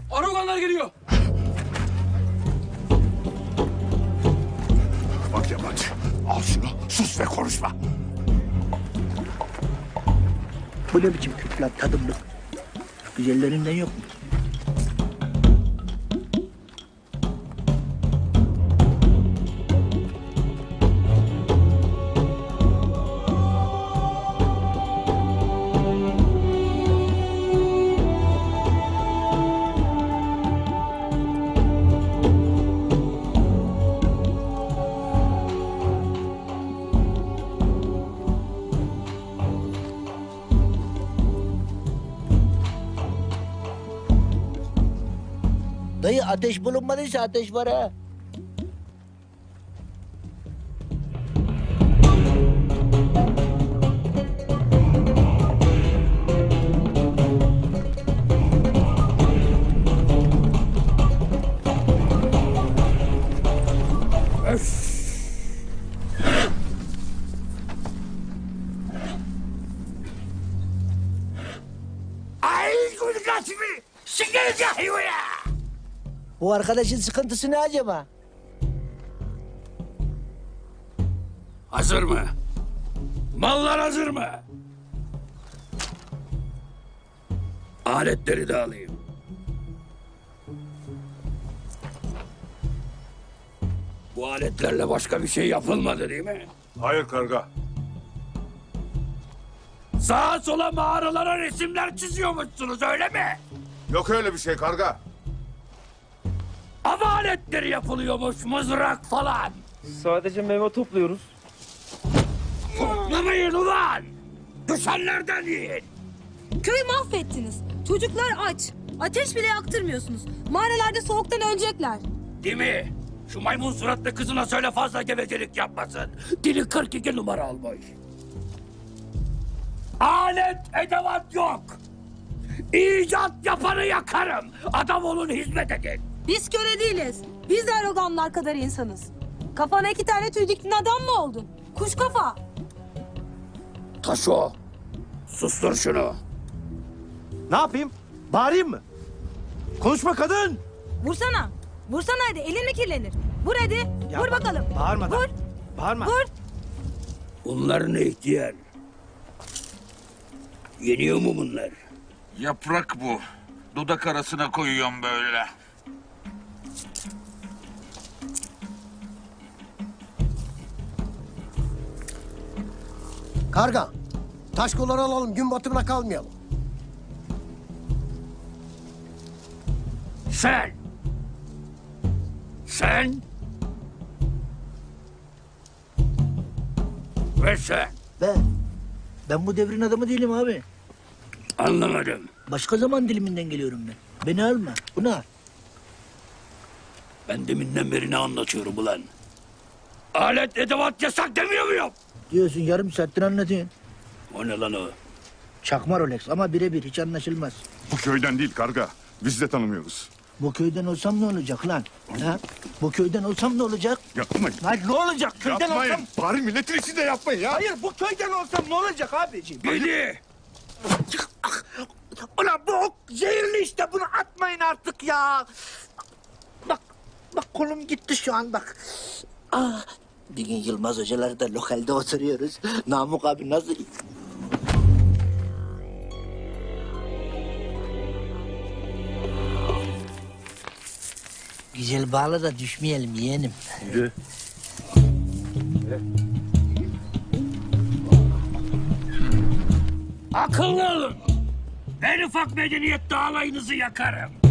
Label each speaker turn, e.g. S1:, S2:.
S1: Aroganlar geliyor.
S2: Bak yabancı, al şunu, sus ve konuşma.
S3: Bu ne biçim küp lan tadımlık? Güzellerinden yok mu? Dayı ateş bulunmadıysa ateş var ha.
S2: Ay gülgâsmi, sikeriz ya hayvaya.
S3: Bu arkadaşın sıkıntısı ne acaba?
S1: Hazır mı? Mallar hazır mı? Aletleri de alayım. Bu aletlerle başka bir şey yapılmadı değil mi?
S2: Hayır karga.
S1: Sağa sola mağaralara resimler çiziyormuşsunuz öyle mi?
S2: Yok öyle bir şey karga.
S1: Av aletleri yapılıyormuş, mızrak falan.
S4: Sadece meyve topluyoruz.
S1: Toplamayın ulan! Düşenlerden yiyin!
S5: Köyü mahvettiniz. Çocuklar aç. Ateş bile yaktırmıyorsunuz. Mağaralarda soğuktan ölecekler.
S1: Değil mi? Şu maymun suratlı kızına söyle fazla gevezelik yapmasın. Dili 42 numara olmuş. Alet edevat yok. İcat yapanı yakarım. Adam olun, hizmet edin.
S5: Biz köle değiliz. Biz de aroganlar kadar insanız. Kafana 2 tane tüy diktin adam mı oldun? Kuş kafa.
S1: Taşo, sustur şunu.
S4: Ne yapayım? Bağırayım mı? Konuşma kadın!
S5: Vursana. Vursana hadi. Elin mi kirlenir? Vur hadi.
S4: Ya
S5: Vur
S4: bak,
S5: bakalım.
S4: bağırmadan.
S5: Vur.
S4: Bağırma.
S5: Vur.
S1: Bunlar ne ihtiyar? Yeniyor mu bunlar?
S6: Yaprak bu. Dudak arasına koyuyorum böyle.
S7: Karga, taş kolları alalım, gün batımına kalmayalım.
S1: Sen! Sen! Ve sen!
S3: Ben bu devrin adamı değilim abi.
S1: Anlamadım.
S3: Başka zaman diliminden geliyorum ben. Beni alma. Bunu al.
S1: Ben deminden beri ne anlatıyorum ulan? Alet edevat yasak demiyor muyum?
S3: Diyorsun yarım saattir anlatıyorsun.
S1: O ne lan o?
S3: Çakma Rolex ama birebir hiç anlaşılmaz.
S2: Bu köyden değil karga, biz de tanımıyoruz.
S3: Bu köyden olsam ne olacak lan? Ha? Bu köyden olsam ne olacak?
S2: Yapmayın.
S3: Hayır ne olacak? Köyden
S2: Yapmayın.
S3: olsam...
S2: Bari milletin içinde yapmayın ya.
S3: Hayır bu köyden olsam ne olacak abiciğim?
S1: Beni!
S3: Ulan bu ok zehirli işte bunu atmayın artık ya. Bak kolum gitti şu an bak. Ah, bir gün Yılmaz hocalar da lokalde oturuyoruz. Namık abi nasıl... Güzel bağla da düşmeyelim yeğenim.
S4: Yürü.
S1: Akıllı olun! En ufak medeniyette alayınızı yakarım.